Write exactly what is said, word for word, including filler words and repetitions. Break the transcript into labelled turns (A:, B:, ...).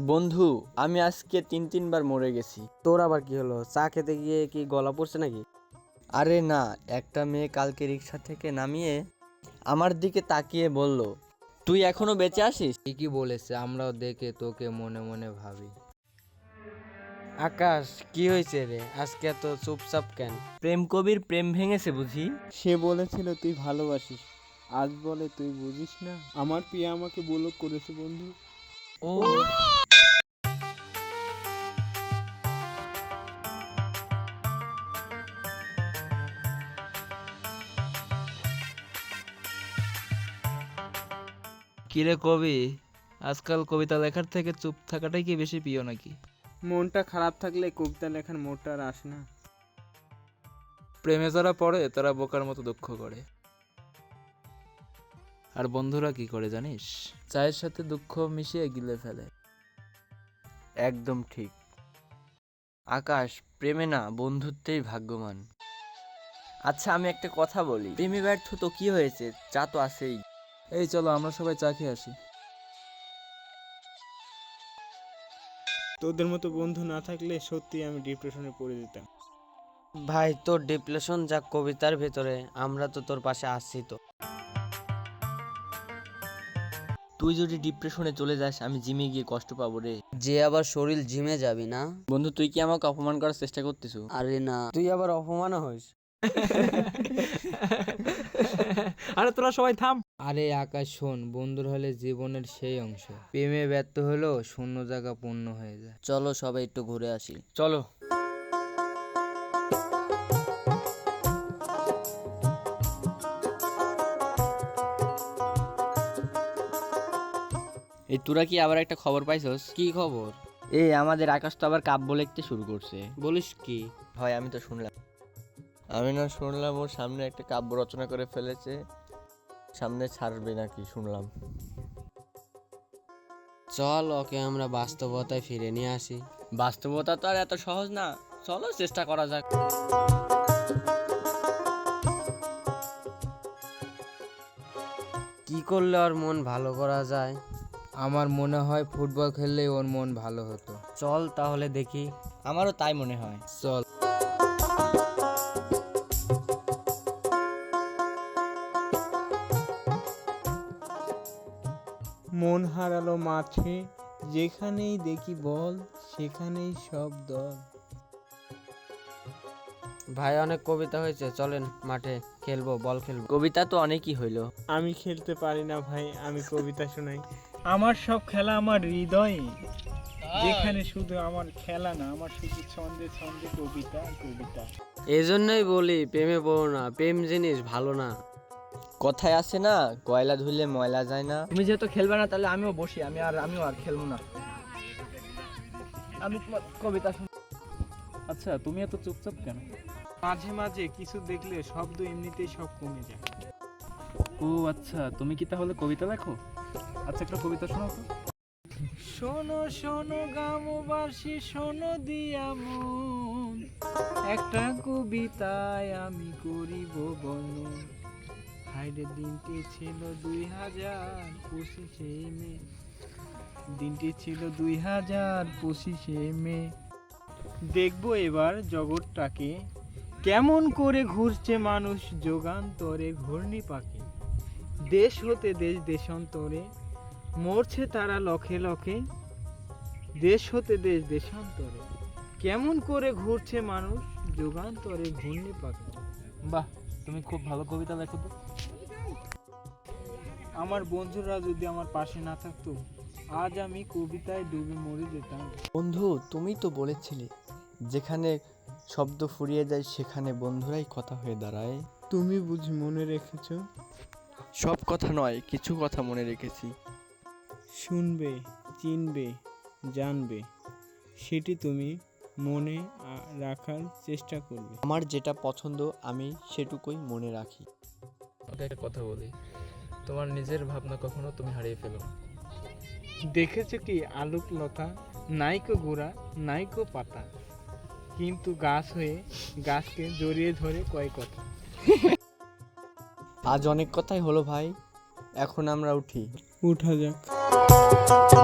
A: বন্ধু, আমি আজকে তিন তিনবার মরে গেছি।
B: তোর আবার কি হলো? চা খেতে গিয়ে কি গলা পড়ছে নাকি?
A: আরে না, একটা মেয়ে কালকে রিক্সা থেকে নামিয়ে আমার দিকে তাকিয়ে বলল, তুই এখনো বেঁচে আছিস।
C: ঠিকই বলেছে, আমরাও দেখে তোকে মনে মনে ভাবি।
B: আকাশ, কি হয়েছে রে? আজকে এত চুপচাপ কেন?
A: প্রেম কবির প্রেম ভেঙেছে বুঝি।
D: সে বলেছিল তুই ভালোবাসিস, আজ বলে তুই বুঝিস না। আমার প্রিয়া আমাকে ব্লক করেছে বন্ধু।
A: ও
E: কিরে কবি, আজকাল কবিতা লেখার থেকে চুপ থাকাটাই কি বেশি প্রিয় নাকি?
D: মনটা খারাপ থাকলে কবিতা লেখার মোড়টা আর আসে না।
E: প্রেমে যারা পড়ে তারা বোকার মতো দুঃখ করে, আর বন্ধুরা কি করে জানিস? চায়ের সাথে দুঃখ মিশিয়ে গিলে ফেলে।
A: একদম ঠিক আকাশ, প্রেমে না বন্ধুত্বেই ভাগ্যবান। আচ্ছা, আমি একটা কথা বলি, প্রেমে ব্যর্থ তো কি হয়েছে, চা তো আছেই।
E: এই চলো আমরা সবাই চা খেয়ে আসি।
D: তোদের মতো বন্ধু না থাকলে সত্যি আমি ডিপ্রেশনে পড়ে যেতাম।
B: ভাই, তোর ডিপ্রেশন যা কবিতার ভেতরে, আমরা তো তোর পাশে আসছি তো।
A: তুই যদি ডিপ্রেশনে চলে যাস, আমি জিমে গিয়ে কষ্ট পাবো রে।
C: যে আবার শরীর জিমে যাবি না?
A: বন্ধু, তুই কি আমাকে অপমান করার চেষ্টা করতেছো?
C: আরে না,
B: তুই আবার অপমানও হইস।
E: আরে তোরা সবাই থাম।
C: আরে আকাশ শোন, বন্ধুর হলে জীবনের সেই অংশ। প্রেমে ব্যর্থ হলেও শূন্য জায়গা পূর্ণ হয়ে যায়। চলো সবাই একটু ঘুরে আসি।
A: চলো। এই তোরা কি আবার একটা খবর পাইছস?
B: কি খবর?
A: এই আমাদের আকাশ তো আবার কাব্য লিখতে শুরু করছে।
B: বলিস কি?
A: হয়, আমি তো শুনলাম। আমি না শুনলাম ওর সামনে একটা কাব্য রচনা করে ফেলেছে, সামনে ছাড়বে নাকি শুনলাম।
B: চল ওকে আমরা বাস্তবতায় ফিরে নিয়ে আসি।
A: বাস্তবতা তো আর এত সহজ না, চলো চেষ্টা করা যাক।
B: কি করলে ওর মন ভালো করা যায়?
C: আমার মনে হয় ফুটবল খেললেই ওর মন ভালো হতো।
B: চল তাহলে দেখি।
A: আমারও তাই মনে হয়।
C: চল।
D: মন হারালো মাঠে, যেখানেই দেখি বল সেখানেই সব দল।
B: ভাই, অনেক কবিতা হয়েছে, চলেন মাঠে খেলবো, বল খেলবো।
A: কবিতা তো অনেকই হইলো।
D: আমি খেলতে পারি না ভাই, আমি কবিতা শোনাই। আমার সব খেলা আমার হৃদয়ে, যেখানে শুধু আমার খেলা না, আমার শুধু ছন্দে ছন্দে কবিতা কবিতা।
B: এই জন্যই বলি প্রেমে পড়ো না, প্রেম জিনিস ভালো না।
A: কথায় আছে না, কয়লা ধুইলে ময়লা যায় না।
E: তুমি যেহেতু খেলবে না, তাহলে আমিও বসি। আমি আর আমিও আর খেলবো না। আমি তোমার কবিতা শুন। আচ্ছা, তুমি এত চুপচাপ কেন?
D: মাঝে মাঝে কিছু দেখলে শব্দ এমনিতেই সব কমে যায়।
E: ও আচ্ছা, তুমি কি তাহলে কবিতা লেখো? আচ্ছা, একটা কবিতা শোনাও তো।
D: শোনো শোনো গ্রামবাসী, শোনো দিয়া মন, একটা কবিতায় আমি করিব বর্ণন। হাইরে দিনটি ছিল দুই হাজার পঁচিশে মে, দিনটি ছিল দুই হাজার পঁচিশে মে। দেখবো এবার জগৎটাকে, কেমন করে ঘুরছে মানুষ যোগান্তরে ঘূর্ণি পাখি। দেশ হতে দেশ দেশান্তরে মরছে তারা লক্ষে লক্ষে, দেশ হতে দেশ দেশান্তরে কেমন করে ঘুরছে মানুষ যুগান্তরে ঘূর্ণি পাখি।
E: বাহ, তুমি খুব ভালো কবিতা লেখো তো।
D: আমার বন্ধুরা যদি আমার পাশে না থাকতো, আজ আমি কবিতায় ডুবে মরে যেতাম।
A: বন্ধু, তুমি তো বলেছিলে যেখানে শব্দ ফুরিয়ে যায় সেখানে বন্ধুরাই কথা হয়ে দাঁড়ায়।
D: তুমি বুঝি মনে রেখেছো?
A: সব কথা নয়, কিছু কথা মনে রেখেছি।
D: শুনবে, চিনবে, জানবে, সেটি তুমি মনে আ- রাখার চেষ্টা করবে।
A: আমার যেটা পছন্দ আমি সেটুকুই মনে রাখি।
E: ওকে, একটা কথা বলি, তোমার নিজের ভাবনা কখনো তুমি হারিয়ে ফেলো।
D: দেখেছো কি আলোক লতা, নাইকো গোড়া নাইকো পাতা, কিন্তু গাছ হয়ে গাছকে জড়িয়ে ধরে কয় কথা।
A: আজ অনেক কথাই হলো ভাই, এখন আমরা উঠি।
D: উঠা যাক।